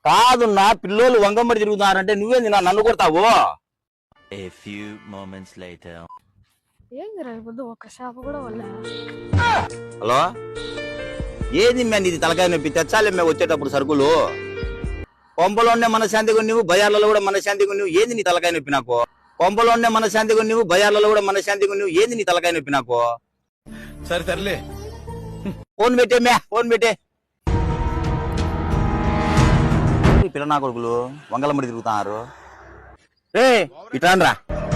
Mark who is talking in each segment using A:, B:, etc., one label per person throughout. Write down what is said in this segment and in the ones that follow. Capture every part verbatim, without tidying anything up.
A: కాదున్నా పిల్లోళ్ళు వంగంబడి తిరుగుతున్నారంటే నువ్వేంది నా నన్ను కొడతావు?
B: A few moments later.
C: ఏందిరా ఇప్పుడు ఒక షాప్ కూడా వల్ల.
A: హలో, ఏది మే నీది తలకాయ నొప్పి? తెచ్చాలి మేము వచ్చేటప్పుడు సరుకులు. కొంపలోనే మనశాంతిగా నువ్వు, బజార్లలో కూడా మనశాంతిగా నువ్వు. ఏది నీ తలకాయ నొప్పి నాకు? కొంపలోనే మనశాంతిగా నువ్వు, బజార్లలో కూడా మనశాంతిగా నువ్వు. ఏది నీ తలకాయ నొప్పి నాకు?
D: సరే సర్లే,
A: ఫోన్ పెట్టే మే, ఫోన్ పెట్టే. పిల్ల నా కొడుకులు వంగలమ్మడి తిరుగుతున్నారు. రే ఇట్రాన్రా.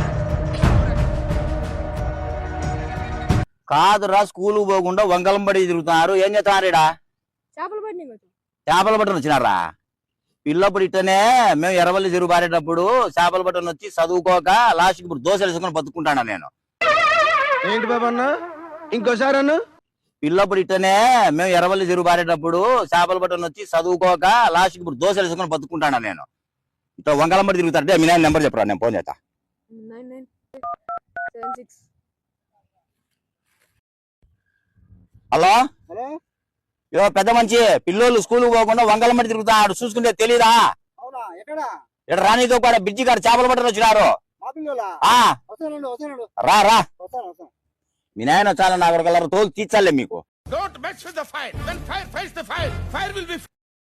A: కాదురా, స్కూల్ పోకుండా వంగలంబడి తిరుగుతున్నారు. ఏం చేస్తున్నారు ఇడా?
C: చేపలు పడినాయి.
A: చేపల బట్టను వచ్చినారా? పిల్లప్పుడు ఇట్టనే మేము ఎర్రవల్లి చెరువు పారేటప్పుడు చేపల బట్టను వచ్చి చదువుకోక లాస్ట్కి ఇప్పుడు దోశలు వేసుకొని బతుకుంటాను నేను.
D: ఏంటి బాబా అన్న, ఇంకోసారి అన్న.
A: పిల్లప్పుడు ఇట్టనే మేము ఎర్రవల్లి చెరువు పారేటప్పుడు చేపల బట్టను వచ్చి చదువుకోక లాస్ట్కి ఇప్పుడు దోశలు వేసుకొని బతుకుంటాను నేను. ఇట్లా వంగలంబడి తిరుగుతారంటే మీ నాయన నెంబర్ చెప్పరా, నేను ఫోన్ చేస్తా.
C: Nine nine seven six.
A: Hello
E: hello,
A: ఇదో పెద్ద మంచి పిల్లోళ్ళు స్కూల్ పోకుండా వంగలమ్మడి తిరుగుతాడు, చూసుకుంటే తెలీదా?
E: అవునా? ఎక్కడ?
A: ఇక్కడ రానితో కూడా బ్రిడ్జి కాడ చేపల బట్టలు వచ్చినారు.
E: మా పిల్లలా?
A: ఆ
E: వస్తానండి, వస్తానండి,
A: రా రా.
E: వస్తాను, వస్తాను.
A: మీ నాయన చాలా నా కొడుకు తోలు తీర్చాలే మీకు.
D: Don't mess with the fire. When fire fights the fire, fire will be.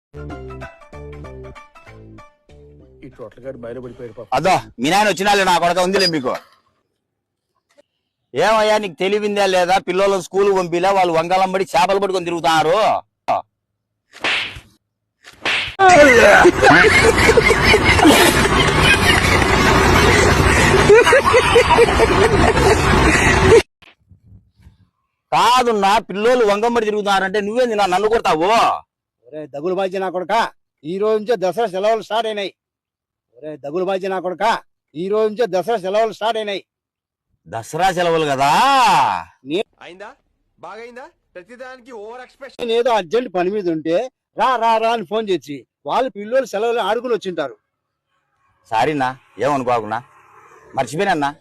D: ఈ టోటల్ గారు బయట పడిపోయారు పాప.
A: అదో మీ నాయన వచ్చినాలే నా కొడుక ఉందిలే మీకు. ఏమయ్యా నీకు తెలివిందా లేదా? పిల్లలు స్కూల్ పంపిలే, వాళ్ళు వంగలంబడి చేపలు పట్టుకొని తిరుగుతున్నారు. కాదున్నా పిల్లోళ్ళు వంగంబడి తిరుగుతున్నారంటే నువ్వేంది నా నన్ను కొడతావు?
E: ఒరే దగులు బాజీ నా కొడుక, ఈ రోజు నుంచే దసరా సెలవులు స్టార్ట్ అయినాయి. ఒరే దగులు బాజీ నా కొడుక, ఈ రోజు నుంచే దసరా సెలవులు స్టార్ట్ అయినాయి.
A: దసరా సెలవులు కదా.
D: అయిందా? బాగైందా? ప్రతిదానికి ఓవర్ ఎక్స్ప్రెషన్.
E: నేను ఏదో అర్జెంట్ పని మీద ఉంటే రా రా రా అని ఫోన్ చేసి వాళ్ళు పిల్లలు సెలవులు ఆడుకుని వచ్చింటారు.
A: సారీనా, ఏమనుకోకున్నా, మర్చిపోయినా.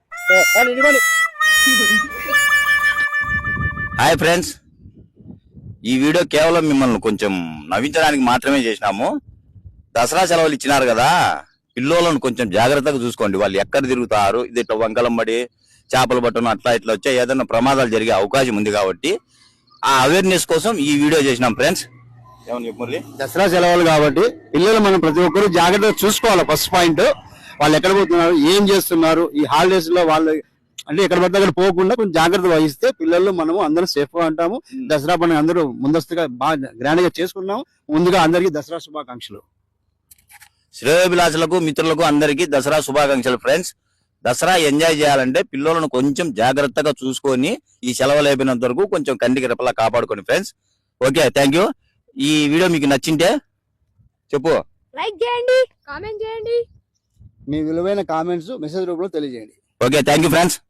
A: హాయ్ ఫ్రెండ్స్, ఈ వీడియో కేవలం మిమ్మల్ని కొంచెం నవ్వించడానికి మాత్రమే చేసినాము. దసరా సెలవులు ఇచ్చినారు కదా, పిల్లోలను కొంచెం జాగ్రత్తగా చూసుకోండి. వాళ్ళు ఎక్కడ తిరుగుతారు, ఇది ఇట్లా వంకలంబడి చేపలు పట్టను అట్లా ఇట్లా వచ్చే ఏదైనా ప్రమాదాలు జరిగే అవకాశం ఉంది కాబట్టి ఆ అవేర్నెస్ కోసం ఈ వీడియో చేసినాం ఫ్రెండ్స్. ఏమని చెప్పు మురళి?
E: దసరా సెలవులు కాబట్టి పిల్లలు మనం ప్రతి ఒక్కరు జాగ్రత్తగా చూసుకోవాలి. ఫస్ట్ పాయింట్, వాళ్ళు ఎక్కడ పోతున్నారు, ఏం చేస్తున్నారు, ఈ హాలిడేస్ లో వాళ్ళు అంటే ఎక్కడ పడితే అక్కడ పోకుండా కొంచెం జాగ్రత్త వహిస్తే పిల్లలు మనము అందరూ సేఫ్ గా ఉంటాము. దసరా పండుగ అందరూ ముందస్తుగా బాగా గ్రాండ్ గా చేసుకున్నాము. ముందుగా అందరికీ దసరా శుభాకాంక్షలు.
A: శ్రేయోభిలాషులకు మిత్రులకు అందరికీ దసరా శుభాకాంక్షలు ఫ్రెండ్స్. దసరా ఎంజాయ్ చేయాలంటే పిల్లలను కొంచెం జాగ్రత్తగా చూసుకొని ఈ సెలవులు అయిపోయినంత వరకు కొంచెం కంటికి రెప్పలా కాపాడుకోండి ఫ్రెండ్స్. Okay, thank you. ఈ వీడియో మీకు నచ్చింటే చెప్పు,
C: లైక్ చేయండి, కామెంట్ చేయండి,
E: మీ విలువైన కామెంట్స్ మెసేజ్ రూపంలో తెలియజేయండి.
A: Okay, thank you friends.